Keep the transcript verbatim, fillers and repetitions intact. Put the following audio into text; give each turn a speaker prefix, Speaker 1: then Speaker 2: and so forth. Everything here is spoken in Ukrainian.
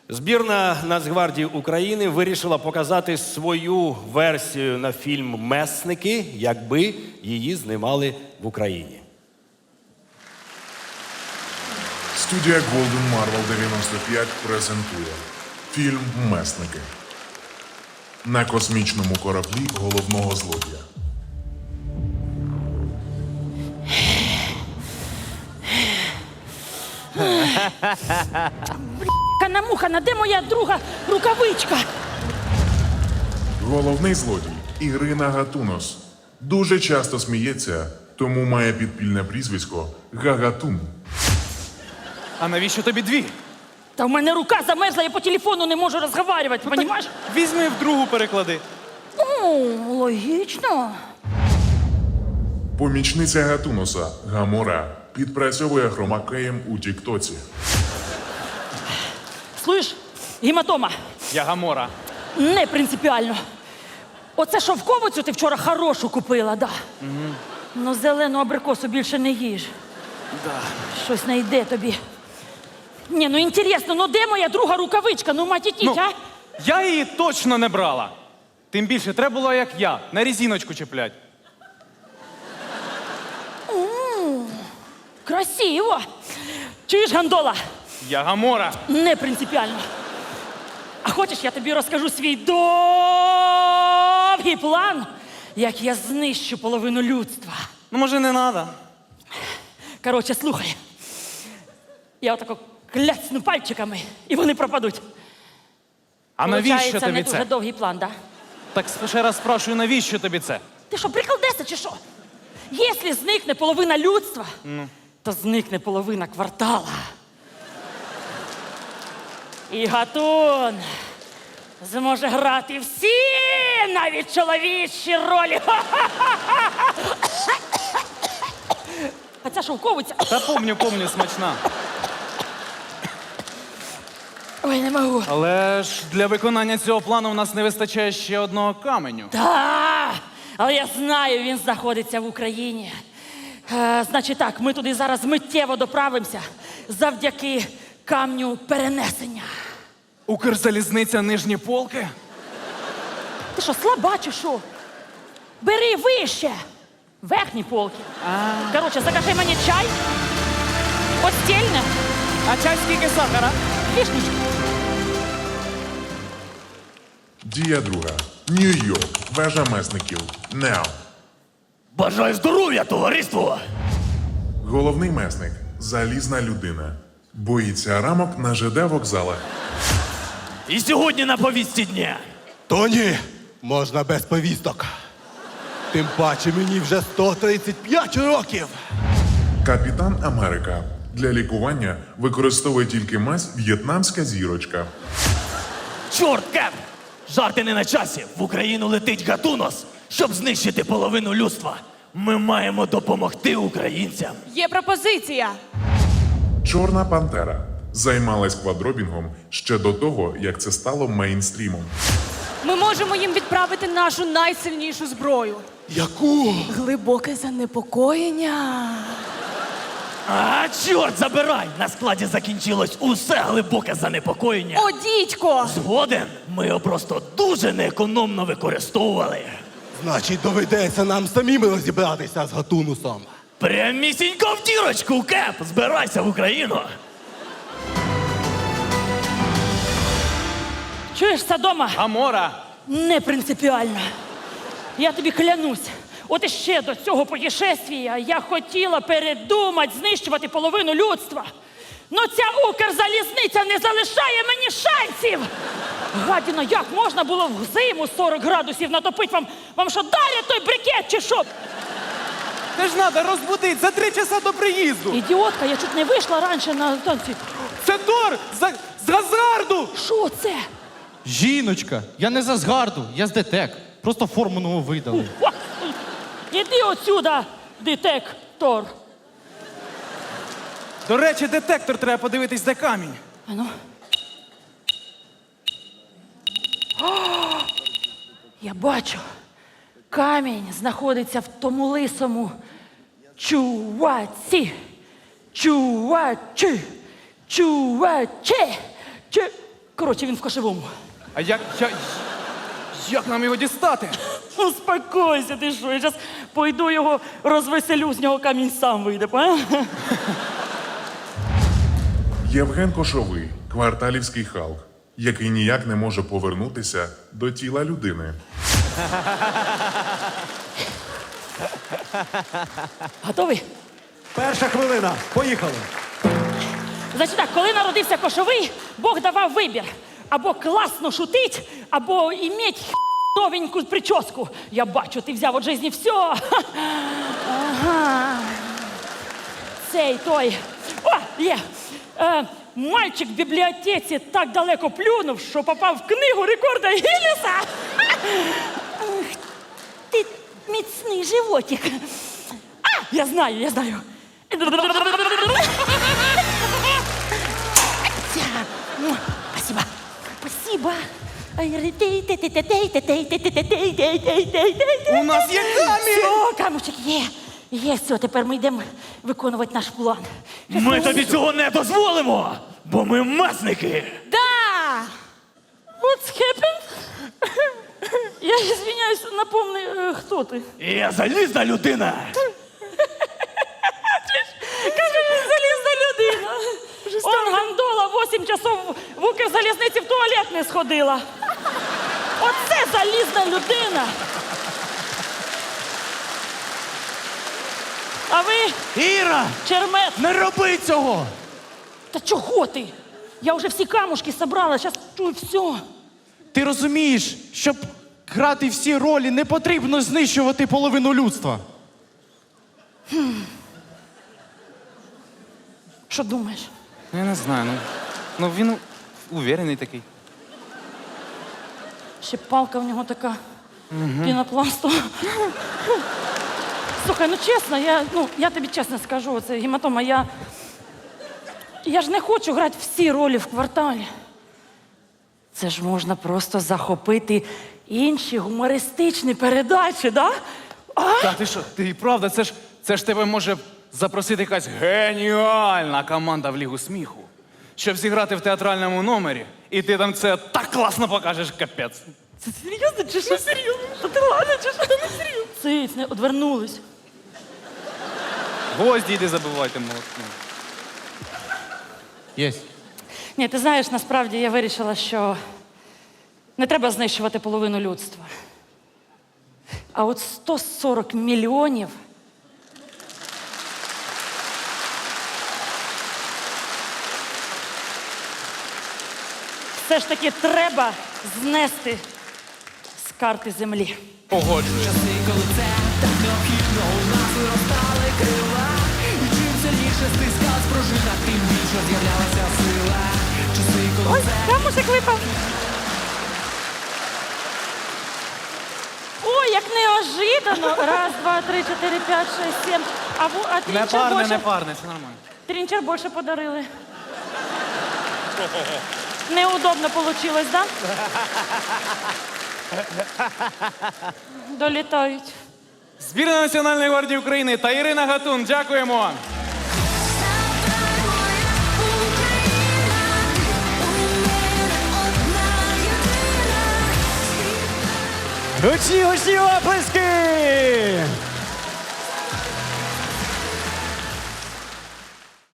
Speaker 1: Збірна Нацгвардії України вирішила показати свою версію на фільм «Месники», якби її знімали в Україні.
Speaker 2: Студія Golden Marvel дев'яносто п'ять презентує фільм «Месники». На космічному кораблі головного злодія.
Speaker 3: Канамухана, де моя друга рукавичка?
Speaker 2: Головний злодій Ірина Гатунос. Дуже часто сміється, тому має підпільне прізвисько Гагатун.
Speaker 4: А навіщо тобі дві?
Speaker 3: Та в мене рука замерзла, я по телефону не можу розмовляти, розумієш?
Speaker 4: Візьми в другу переклади.
Speaker 3: Ну, логічно.
Speaker 2: Помічниця Гатуноса Гамора підпрацьовує хромакеєм у Тіктоці.
Speaker 3: Слышь, гематома,
Speaker 4: Я Гамора.
Speaker 3: не принципіально. Оце шовковицю ти вчора хорошу купила, да. Угу. Ну, зелену абрикосу більше не їж.
Speaker 4: Да.
Speaker 3: Щось не йде тобі. Ні, ну інтересно, ну де моя друга рукавичка? Ну, матітіть,
Speaker 4: Ну,
Speaker 3: а?
Speaker 4: я її точно не брала. Тим більше треба було, як я, на резиночку чіплять.
Speaker 3: Красиво. Чуєш, гандола?
Speaker 4: Я Гамора.
Speaker 3: Не принципіально. А хочеш, я тобі розкажу свій довгий план, як я знищу половину людства.
Speaker 4: Ну, може, не треба.
Speaker 3: Коротше, слухай. Я отако кляцну пальчиками, і вони пропадуть.
Speaker 4: А навіщо
Speaker 3: Получається,
Speaker 4: тобі
Speaker 3: не
Speaker 4: це?
Speaker 3: дуже довгий план, да?
Speaker 4: Так ще раз спрашую, навіщо тобі це?
Speaker 3: Ти що, приколдеса чи що? Якщо зникне половина людства, ну. то зникне половина квартала. І Гатун зможе грати всі, навіть чоловічі ролі. А ця шовковиця...
Speaker 4: Та помню, помню, смачна.
Speaker 3: Ой, не можу.
Speaker 4: Але ж для виконання цього плану в нас не вистачає ще одного каменю.
Speaker 3: Так, але я знаю, він знаходиться в Україні. Е, значить так, ми туди зараз миттєво доправимося завдяки камню перенесення.
Speaker 4: Укрзалізниця нижні полки?
Speaker 3: Ти що, слаба чи що? Бери вище. Верхні полки. Коротше, закажи мені чай, постільне,
Speaker 4: А чай скільки сахара?
Speaker 3: вішничку.
Speaker 2: Дія друга. Нью-Йорк. Вежа месників. Нео.
Speaker 5: Бажаю здоров'я, товариство!
Speaker 2: Головний месник – залізна людина. Боїться рамок на ЖД вокзалах.
Speaker 5: І сьогодні на повістці дня.
Speaker 6: То ні, можна без повісток. Тим паче мені вже сто тридцять п'ять років.
Speaker 2: Капітан Америка. Для лікування використовує тільки мазь «В'єтнамська зірочка».
Speaker 5: Чорт, Кеп! Жарти не на часі. В Україну летить Гатунос, щоб знищити половину людства. Ми маємо допомогти українцям.
Speaker 7: Є пропозиція.
Speaker 2: Чорна пантера. Займалась квадробінгом ще до того, як це стало мейнстрімом.
Speaker 7: Ми можемо їм відправити нашу найсильнішу зброю.
Speaker 6: Яку?
Speaker 7: Глибоке занепокоєння.
Speaker 5: А, чорт, забирай! На складі закінчилось усе глибоке занепокоєння.
Speaker 7: О, дідько!
Speaker 5: Згоден, ми його просто дуже неекономно використовували.
Speaker 6: Значить, доведеться нам самим розібратися з Гатунусом.
Speaker 5: Прямісінько в дірочку, Кеп! Збирайся в Україну!
Speaker 3: Чуєш, Содома?
Speaker 4: Гамора.
Speaker 3: Не принципіально. Я тобі клянусь. От іще до цього путешествія я хотіла передумати знищувати половину людства. Но ця Укрзалізниця не залишає мені шансів. Гадіно, як можна було в зиму сорок градусів натопити? Вам, вам що, далі той брикет чи що?
Speaker 4: Ти ж треба розбудити за три часа до приїзду.
Speaker 3: Ідіотка, я чуть не вийшла раніше на танці.
Speaker 4: Це Тор з, з Газарду.
Speaker 3: Що це?
Speaker 8: Жіночка, я не з Асгарду, я з ДТЕК. Просто форму нову видали.
Speaker 3: О, іди отсюда, детектор.
Speaker 4: До речі, детектор треба подивитись, де камінь.
Speaker 3: А ну. О, я бачу. Камінь знаходиться в тому лисому чуваці. Чувачі. Чувачі. Чу... Коротше, він в кошевому.
Speaker 4: А як, як, як нам його дістати?
Speaker 3: Успокойся, ти що, я зараз пойду його розвеселю, з нього камінь сам вийде, поняв?
Speaker 2: Євген Кошовий, кварталівський Халк, який ніяк не може повернутися до тіла людини.
Speaker 3: Готовий?
Speaker 6: Перша хвилина. Поїхали.
Speaker 3: Значить так, коли народився Кошовий, Бог давав вибір. Або класно шутить, або іметь новеньку прическу. Я бачу, ти взяв від житті все. Ага. Цей той. О, є. Е, мальчик в бібліотеці так далеко плюнув, що попав в книгу рекорда Гіннеса. Ах, ти міцний животик. А, я знаю, я знаю. Ну, спасибо. Спасибо.
Speaker 4: У нас є камінь!
Speaker 3: Все, камушек є. Є, все, тепер ми йдемо виконувати наш план.
Speaker 5: Ми тобі цього не дозволимо, бо ми месники.
Speaker 3: Да! What's happened? Я извиняюсь, напомни, е, хто ти?
Speaker 5: Я залізна людина.
Speaker 3: Каже, він залізна людина. Он гандола вісім часов в Укрзалізниці в туалет не сходила. Оце залізна людина. А ви,
Speaker 5: Іра,
Speaker 3: чермет,
Speaker 5: не роби цього.
Speaker 3: та чого ти? Я вже всі камушки собрала, зараз чую все.
Speaker 8: Ти розумієш, щоб грати всі ролі, не потрібно знищувати половину людства.
Speaker 3: Що думаєш?
Speaker 4: Я не знаю, ну, ну він уверений такий.
Speaker 3: Ще палка в нього така пінопластова. Слухай, ну чесно, я, ну, я тобі чесно скажу, це гематома, я, я ж не хочу грати всі ролі в кварталі. Це ж можна просто захопити інші гумористичні передачі, да? А?
Speaker 4: Та ти що, ти правда, це ж, це ж тебе може запросити якась геніальна команда в Лігу сміху, щоб зіграти в театральному номері, і ти там це так класно покажеш, капець.
Speaker 3: Це серйозно чи що? Серйозно? Та ти ладно, чи що? Не серйозно. Циць, не одвернулись.
Speaker 4: Гвозді йди забивайте молотком.
Speaker 8: Єсть.
Speaker 3: Ні, ти знаєш, насправді я вирішила, що не треба знищувати половину людства. А от сто сорок мільйонів все ж таки треба знести з карти землі.
Speaker 4: Погоджуюсь.
Speaker 3: Ой, камушек випав. Ой, як неожиданно. Раз, два, три, чотири, п'ять, шесть, сім. А, ву, а
Speaker 4: Не
Speaker 3: трінчер
Speaker 4: парне,
Speaker 3: більше,
Speaker 4: не парне, все нормально.
Speaker 3: трінчер більше подарили. Неудобно получилось, да? Долітають.
Speaker 4: Збірна Національної гвардії України та Ірина Гатун. Дякуємо.
Speaker 5: Гучні, гучні оплески!